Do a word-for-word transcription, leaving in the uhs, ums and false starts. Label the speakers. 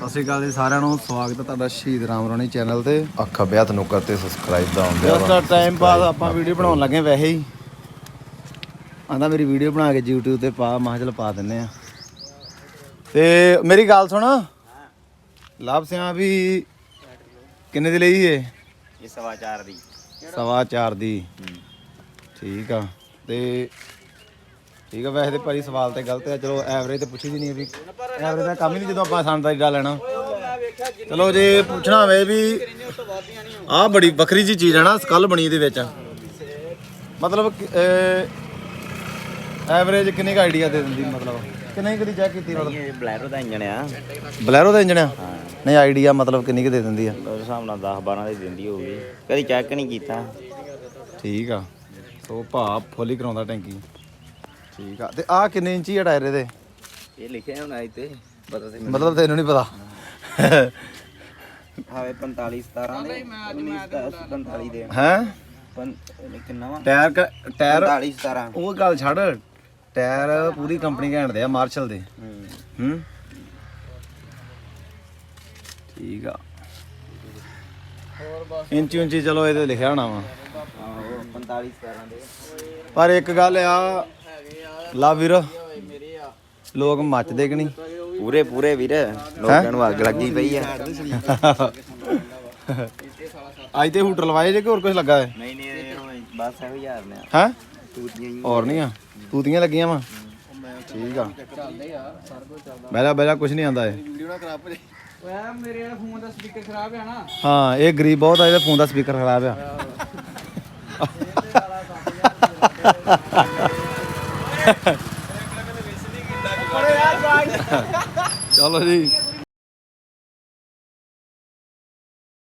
Speaker 1: ਸਤਿ ਸ਼੍ਰੀ ਅਕਾਲ ਜੀ ਸਾਰਿਆਂ ਨੂੰ, ਸਵਾਗਤ ਹੈ ਤੁਹਾਡਾ ਸ਼ਹੀਦ ਰਾਮ ਰੋਣੀ ਚੈਨਲ ਤੇ। ਅੱਖਾਂ ਬਿਆਤ ਨੂੰ ਕਰਤੇ ਸਬਸਕ੍ਰਾਈਬ ਦਾ ਆਉਂਦੇ ਆ ਜਸਟ ਟਾਈਮ ਪਾਸ ਆਪਾਂ ਵੀਡੀਓ ਬਣਾਉਣ ਲੱਗੇ ਵੈਸੇ ਹੀ ਆਂਦਾ ਮੇਰੀ ਵੀਡੀਓ ਬਣਾ ਕੇ YouTube ਤੇ ਪਾ, ਮੈਂ ਕਿਹਾ ਚਲ ਪਾ ਦਿੰਨੇ ਆ। ਤੇ ਮੇਰੀ ਗੱਲ ਸੁਣ, ਲਾਭ ਸਿਆਂ ਵੀ ਕਿੰਨੇ ਦੀ ਲਈ ਏ?
Speaker 2: ਇਹ ਸਵਾ ਚਾਰ ਦੀ।
Speaker 1: ਸਵਾ ਚਾਰ ਦੀ ਠੀਕ ਆ। ਤੇ ਠੀਕ ਆ, ਵੈਸੇ ਤੇ ਭਾਈ ਸਵਾਲ ਤੇ ਗਲਤ ਹੈ, ਚਲੋ ਐਵਰੇਜ ਤੇ ਪੁੱਛੀ ਦੀ ਨਹੀਂ ਵੀ, ਐਵਰੇਜ ਦਾ ਕੰਮ ਹੀ ਨਹੀਂ ਜਦੋਂ ਆਪਾਂ ਸੰਦਾਈ ਦਾ ਲੈਣਾ। ਚਲੋ ਜੇ ਪੁੱਛਣਾ ਹੋਵੇ ਵੀ ਆਹ ਬੜੀ ਵੱਖਰੀ ਜੀ ਚੀਜ਼ ਹੈ ਨਾ, ਸਕਲ ਬਣੀ ਇਹਦੇ ਵਿੱਚ, ਮਤਲਬ ਐਵਰੇਜ ਕਿੰਨੇ ਕੁ ਆਈਡੀਆ ਦੇ ਦਿੰਦੀ, ਮਤਲਬ ਕਿੰਨੀ ਕਦੀ ਚੈੱਕ ਕੀਤੀ? ਮਤਲਬ
Speaker 2: ਇਹ ਬਲੈਰੋ ਦਾ ਇੰਜਣ ਆ।
Speaker 1: ਬਲੈਰੋ ਦਾ ਇੰਜਣ ਆ? ਨਹੀਂ ਆਈਡੀਆ ਮਤਲਬ ਕਿੰਨੀ ਕੁ ਦੇ ਦਿੰਦੀ ਆ?
Speaker 2: ਉਸ ਹਿਸਾਬ ਨਾਲ ਦਸ ਬਾਰਾਂ ਦੀ ਦਿੰਦੀ ਹੋਊਗੀ, ਕਦੀ ਚੈੱਕ ਨਹੀਂ ਕੀਤਾ।
Speaker 1: ਠੀਕ ਆ, ਸੋ ਭਾਅ ਫੁੱਲ ਹੀ ਕਰਾਉਂਦਾ ਟੈਂਕੀ। ਠੀਕ ਆ। ਤੇ ਆਹ ਕਿੰਨੇ ਇੰਚੀ ਆ ਟਾਇਰ ਇਹਦੇ?
Speaker 2: ਇਹ ਲਿਖਿਆ ਹੋਣਾ ਇੱਥੇ, ਪਤਾ ਤੇ
Speaker 1: ਮਤਲਬ ਤੈਨੂੰ ਨਹੀਂ ਪਤਾ?
Speaker 2: ਹਾਵੇ ਪੰਤਾਲੀ ਸਤਾਰਾਂ ਦੇ ਪੰਤਾਲੀ ਦੇ
Speaker 1: ਹੈ
Speaker 2: ਕਿੰਨਾ ਵਾ
Speaker 1: ਟਾਇਰ ਕ- ਟਾਇਰ
Speaker 2: ਪੰਤਾਲੀ ਸਤਾਰਾਂ।
Speaker 1: ਉਹ ਗੱਲ ਛੱਡ, ਟਾਇਰ ਪੂਰੀ ਕੰਪਨੀ ਘੈਂਟ ਦੇ ਆ, ਮਾਰਸ਼ਲ ਦੇ। ਹੂੰ ਠੀਕ ਆ। ਇੰਚੀ ਇੰਚੀ ਚਲੋ ਇਹਦੇ ਲਿਖਿਆ ਹੋਣਾ ਵਾ,
Speaker 2: ਆਹੋ ਪੰਤਾਲੀ ਸਤਾਰਾਂ ਦੇ।
Speaker 1: ਪਰ ਇੱਕ ਗੱਲ ਆ ਲਾ ਵੀਰ, ਲੋਕ ਮੱਚਦੇ ਕਿ ਨਹੀਂ?
Speaker 2: ਪੂਰੇ ਪੂਰੇ ਵੀਰ, ਲੋਕਾਂ ਨੂੰ ਅੱਗ ਲੱਗੀ ਪਈ ਆ।
Speaker 1: ਅੱਜ ਤੇ ਹੂਟਰ ਲਵਾਏ ਜੇ ਕਿ ਹੋਰ ਕੁਝ ਲੱਗਾ ਹੈ?
Speaker 2: ਨਹੀਂ ਨਹੀਂ ਬਸ ਇਹੋ ਯਾਰ ਨੇ
Speaker 1: ਹੈ
Speaker 2: ਤੂਤੀਆਂ ਹੀ।
Speaker 1: ਹੋਰ ਨਹੀਂ ਆ, ਤੂਤੀਆਂ ਲੱਗੀਆਂ ਵਾ। ਠੀਕ ਆ, ਬਹਿਲਾ ਬਹਿਲਾ ਕੁਝ ਨਹੀਂ ਆਂਦਾ ਇਹ।
Speaker 3: ਮੇਰੇ ਫੋਨ ਦਾ ਸਪੀਕਰ ਖਰਾਬ ਹੈ ਨਾ।
Speaker 1: ਹਾਂ ਇਹ ਗਰੀਬ ਬਹੁਤ ਆ, ਇਹਦੇ ਫੋਨ ਦਾ ਸਪੀਕਰ ਖਰਾਬ ਆ। ਚਲੋ ਜੀ।